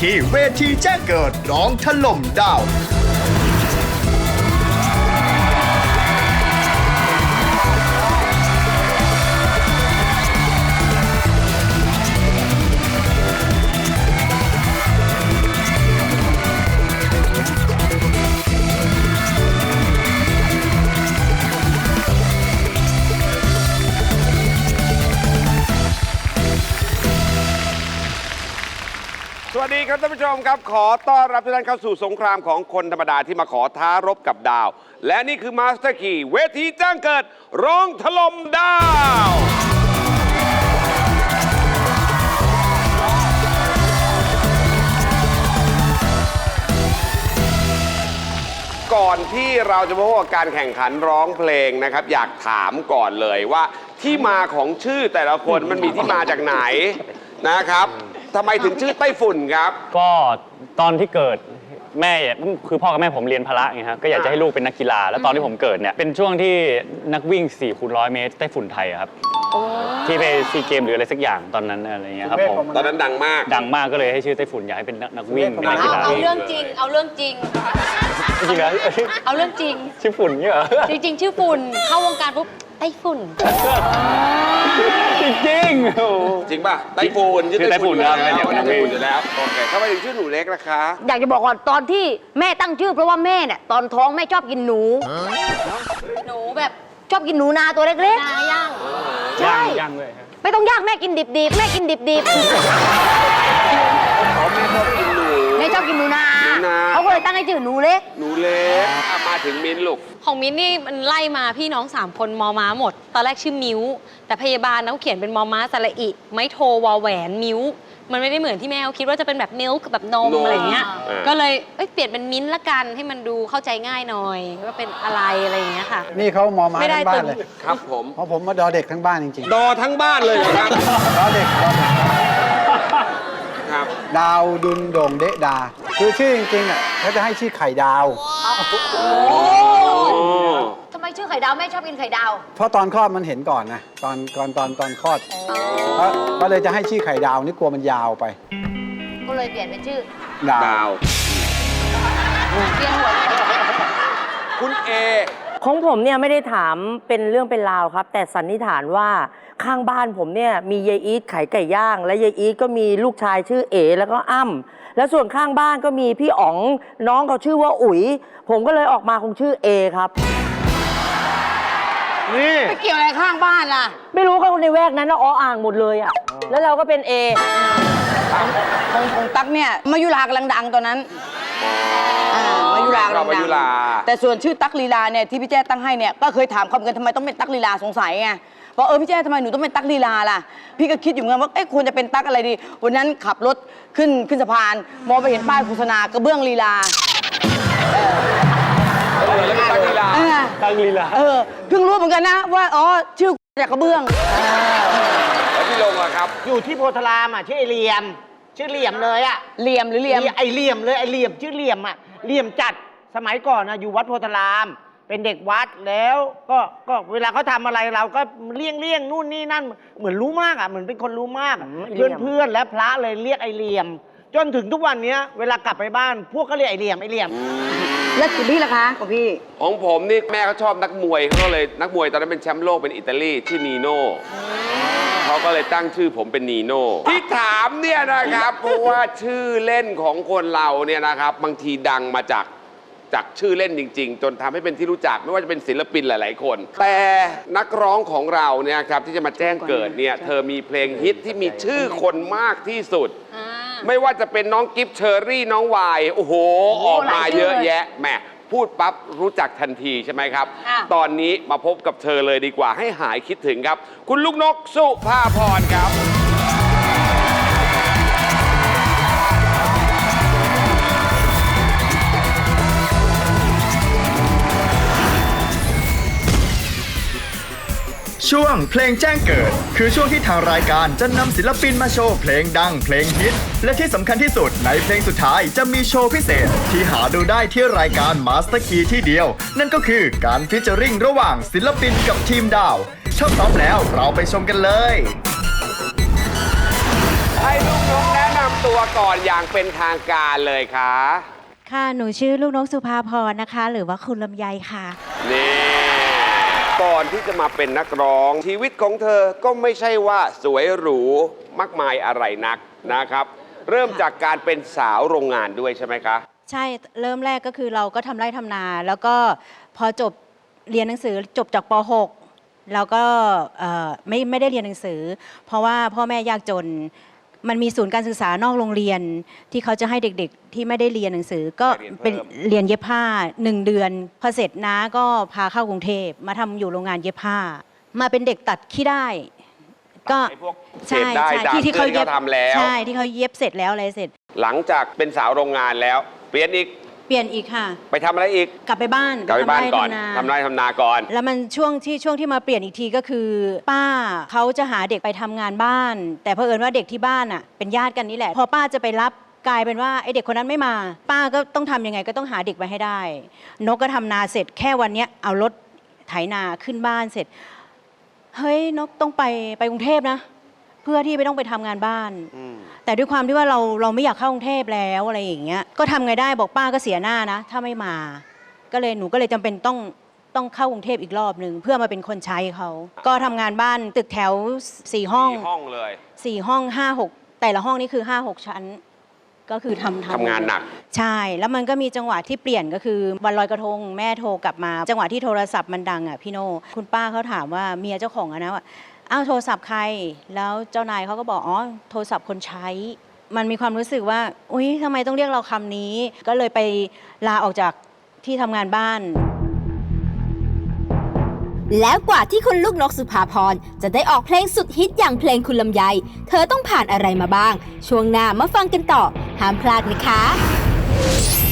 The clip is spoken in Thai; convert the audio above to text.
คีเวทีแจ้งเกิดร้องถล่มดาวสวัสดีครับท่านผู้ชมครับขอต้อนรับทุกท่านเข้าสู่สงครามของคนธรรมดาที่มาขอท้ารบกับดาวและนี่คือมาสเตอร์คีย์เวทีแจ้งเกิดร้องถล่มดาวก่อนที่เราจะพบกับการแข่งขันร้องเพลงนะครับอยากถามก่อนเลยว่าที่มาของชื่อแต่ละคนมันมีที่มาจากไหนนะครับทำไมถึงชื่อไต้ฝุ่นครับก็ตอนที่เกิดแม่คือพ่อกับแม่ผมเรียนพละไงครับก็อยากจะให้ลูกเป็นนักกีฬาแล้วตอนที่ผมเกิดเนี่ยเป็นช่วงที่นักวิ่ง4คูณ100 เมตรไต้ฝุ่นไทยครับที่ไปซีเกมหรืออะไรสักอย่างตอนนั้นอะไรเงี้ยครับผมตอนนั้นดังมากก็เลยให้ชื่อไต้ฝุ่นอยากให้เป็นนักวิ่งเป็นนักกีฬาเอาเรื่องจริงเอาเรื่องจริงจริงเหรอเอาเรื่องจริงชื่อฝุ่นเนี่ยเหรอจริงๆชื่อฝุ่นเข้าวงการปุ๊บไต้ฝุ่นจริงจริงป่ะไต้ฝุ่นชื่อไต้ฝุ่นครับเป็นอย่างนั้นอยู่แล้วโอเคทำไมถึงชื่อหนูเล็กล่ะคะอยากจะบอกก่อนตอนที่แม่ตั้งชื่อเพราะว่าแม่เนี่ยตอนท้องแม่ชอบกินหนูแบบชอบกินหนูนาตัวเล็กๆนาย่างใช่ย่างเลยครับไม่ต้องย่างแม่กินดิบๆแม่กินดิบๆแม่ชอบกินหนูนาเขาก็เลยตั้งให้ชื่อหนูเล็กมาถึงมิ้นลูกของมิ้นนี่มันไล่มาพี่น้อง3คนมอม้าหมดตอนแรกชื่อมิ้วแต่พยาบาลเขาเขียนเป็นมอม้าสระอิไม่โทวอแหวนมิ้วมันไม่ได้เหมือนที่แม่เขาคิดว่าจะเป็นแบบมิลค์แบบนมอะไรเงี้ยก็เลยเปลี่ยนเป็นมิ้นละกันให้มันดูเข้าใจง่ายหน่อยว่าเป็นอะไรอย่างเงี้ยค่ะนี่เขามอม้าทั้งบ้านเลยครับผมเพราะผมมาดอเด็กทั้งบ้านจริงๆดอทั้งบ้านเลยครับดอเด็กครับดาวดุลโด่งเดะดาคือชื่อจริงๆอ่ะเขาจะให้ชื่อไข่ดาวทำไมชื่อไข่ดาวแม่ชอบกินไข่ดาวเพราะตอนคลอดมันเห็นก่อนนะตอนคลอดก็เลยจะให้ชื่อไข่ดาวนี่กลัวมันยาวไปก็เลยเปลี่ยนเป็นชื่อดาวเปลี่ยนหัวคุณเอของผมเนี่ยไม่ได้ถามเป็นเรื่องเป็นราวครับแต่สันนิษฐานว่าข้างบ้านผมเนี่ยมียายอีทขายไก่ย่างและยายอีทก็มีลูกชายชื่อเอ๋แล้วก็อ้ำแล้วส่วนข้างบ้านก็มีพี่อ๋องน้องเขาชื่อว่าอุ๋ยผมก็เลยออกมาคงชื่อเอครับนี่ไม่เกี่ยวอะไรข้างบ้านล่ะไม่รู้เขาในแวกนั้นนะอ่างหมดเลยอ่ะแล้วเราก็เป็นเอของตั๊กเนี่ยมายุรากำลังดังตอนนั้นมายุราเรามายุราแต่ส่วนชื่อตั๊กลีลาเนี่ยที่พี่แจ้ตั้งให้เนี่ยก็เคยถามคำกันทำไมต้องเป็นตั๊กลีลาสงสัยไงว่าพี่แจ้ทำไมหนูต้องเป็นตั๊กลีลาล่ะพี่ก็คิดอยู่เหมือนกันว่าควรจะเป็นตั๊กอะไรดีวันนั้นขับรถขึ้นสะพานมองไปเห็นป้ายโฆษณากระเบื้องลีลาตั๊กลีลาเพิ่งรู้เหมือนกันนะว่าชื่อจากกระเบื้องแล้วพี่ลงอะครับอยู่ที่โพธารามชื่อไอเหลี่ยมชื่อเหลี่ยมเลยอะเหลี่ยมหรือเหลี่ยมไอเหลี่ยมเลยไอเหลี่ยมชื่อเหลี่ยมอะเหลี่ยมจัดสมัยก่อนอยู่วัดโพธารามเป็นเด็กวัดแล้วก็เวลาเขาทำอะไรเราก็เลี่ยงนู่นนี่นั่นเหมือนรู้มากเหมือนเป็นคนรู้มากเพื่อนและพระเลยเรียกไอเหลี่ยมจนถึงทุกวันนี้เวลากลับไปบ้านพวกก็เรียกไอเหลี่ยมแล้วคุณพี่ล่ะคะของพี่ของผมนี่แม่เขาชอบนักมวยเขาเลยนักมวยตอนนั้นเป็นแชมป์โลกเป็นอิตาลีชื่อนีโน่เขาก็เลยตั้งชื่อผมเป็นนีโน่ที่ถามเนี่ยนะครับเพราะว่าชื่อเล่นของคนเราเนี่ยนะครับบางทีดังมาจากชื่อเล่นจริงๆจนทำให้เป็นที่รู้จักไม่ว่าจะเป็นศิลปินหลายๆคนแต่นักร้องของเราเนี่ยครับที่จะมาแจ้งเกิดเนี่ยเธอมีเพลงฮิตที่มีชื่อคนมากที่สุดไม่ว่าจะเป็นน้องกิฟต์เชอรี่น้องวายโอ้โหออกมาเยอะแยะแหมพูดปั๊บรู้จักทันทีใช่ไหมครับตอนนี้มาพบกับเธอเลยดีกว่าให้หายคิดถึงครับคุณลูกนกสุภาพรครับช่วงเพลงแจ้งเกิดคือช่วงที่ทางรายการจะนำศิลปินมาโชว์เพลงดังเพลงฮิตและที่สำคัญที่สุดในเพลงสุดท้ายจะมีโชว์พิเศษที่หาดูได้ที่รายการ Master Key ที่เดียวนั่นก็คือการฟีเจอริ่งระหว่างศิลปินกับทีมดาวถ้าพร้อมแล้วเราไปชมกันเลยให้ลูกนกแนะนำตัวก่อนอย่างเป็นทางการเลยค่ะค่ะ หนูชื่อลูกนกสุภาพรนะคะ หรือว่าคุณลำไยค่ะนี่ก่อนที่จะมาเป็นนักร้อง ชีวิตของเธอก็ไม่ใช่ว่าสวยหรูมากมายอะไรนักนะครับ เริ่มจากการเป็นสาวโรงงานด้วยใช่ไหมคะใช่ เริ่มแรกก็คือเราก็ทำไร่ทำนา แล้วก็พอจบเรียนหนังสือจบจากป .6 แล้วก็ไม่ได้เรียนหนังสือ เพราะว่าพ่อแม่ยากจน มันมีศูนย์การศึกษานอกโรงเรียนที่เขาจะให้เด็กๆ ที่ไม่ได้เรียนหนังสือ ก็เป็นเรียนเย็บผ้า 1 เดือน พอเสร็จน้าก็พาเข้ากรุงเทพมาทำอยู่โรงงานเย็บผ้า มาเป็นเด็กตัดขี้ได้ ก็ไอ้พวกเศษได้ดามที่เขาที่เขาทำแล้วใช่ที่เขาเย็บเสร็จแล้วอะไรเสร็จหลังจากเป็นสาวโรงงานแล้ว เปลี่ยนอีกเปลี่ยนอีกค่ะไปทำอะไรอีกกลับไปบ้านกลับไปบ้านก่อนทำไร่ทำไร่ทำนาก่อนแล้วมันช่วงที่มาเปลี่ยนอีกทีก็คือ ป้าเขาจะหาเด็กไปทำงานบ้าน แต่เผอิญว่าเด็กที่บ้านอ่ะเป็นญาติกันนี่แหละ พอป้าจะไปรับกลายเป็นว่าไอเด็กคนนั้นไม่มา ป้าก็ต้องทำยังไงก็ต้องหาเด็กไปให้ได้ นกก็ทำนาเสร็จแค่วันเนี้ยเอารถไถนาขึ้นบ้านเสร็จ เฮ้ยนกต้องไปกรุงเทพนะ เพื่อที่ไม่ต้องไปทำงานบ้าน แต่ด้วยความที่ว่าเราไม่อยากเข้ากรุงเทพแล้วอะไรอย่างเงี้ย ก็ทำไงได้บอกป้าก็เสียหน้านะ ถ้าไม่มา หนูก็เลยจำเป็นต้องเข้ากรุงเทพอีกรอบหนึ่งเพื่อมาเป็นคนใช้เขา ก็ทำงานบ้านตึกแถว4 ห้อง 4 ห้องเลย 4 ห้อง 5-6 แต่ละห้องนี่คือ 5-6 ชั้น ก็คือทำงานหนักใช่ แล้วมันก็มีจังหวะที่เปลี่ยนก็คือวันลอยกระทงแม่โทรกลับมา จังหวะที่โทรศัพท์มันดังอ่ะพี่โน่คุณป้าเขาถามว่าเมียเจ้าของอะนะว่าอ้าวโทรศัพท์ใคร แล้วเจ้านายเขาก็บอกอ๋อโทรศัพท์คนใช้ มันมีความรู้สึกว่าอุ๊ยทำไมต้องเรียกเราคำนี้ ก็เลยไปลาออกจากที่ทำงานบ้านแล้วกว่าที่คุณลูกนกสุภาพรจะได้ออกเพลงสุดฮิตอย่างเพลงคุณลำไย เธอต้องผ่านอะไรมาบ้าง ช่วงหน้ามาฟังกันต่อ ห้ามพลาดนะคะ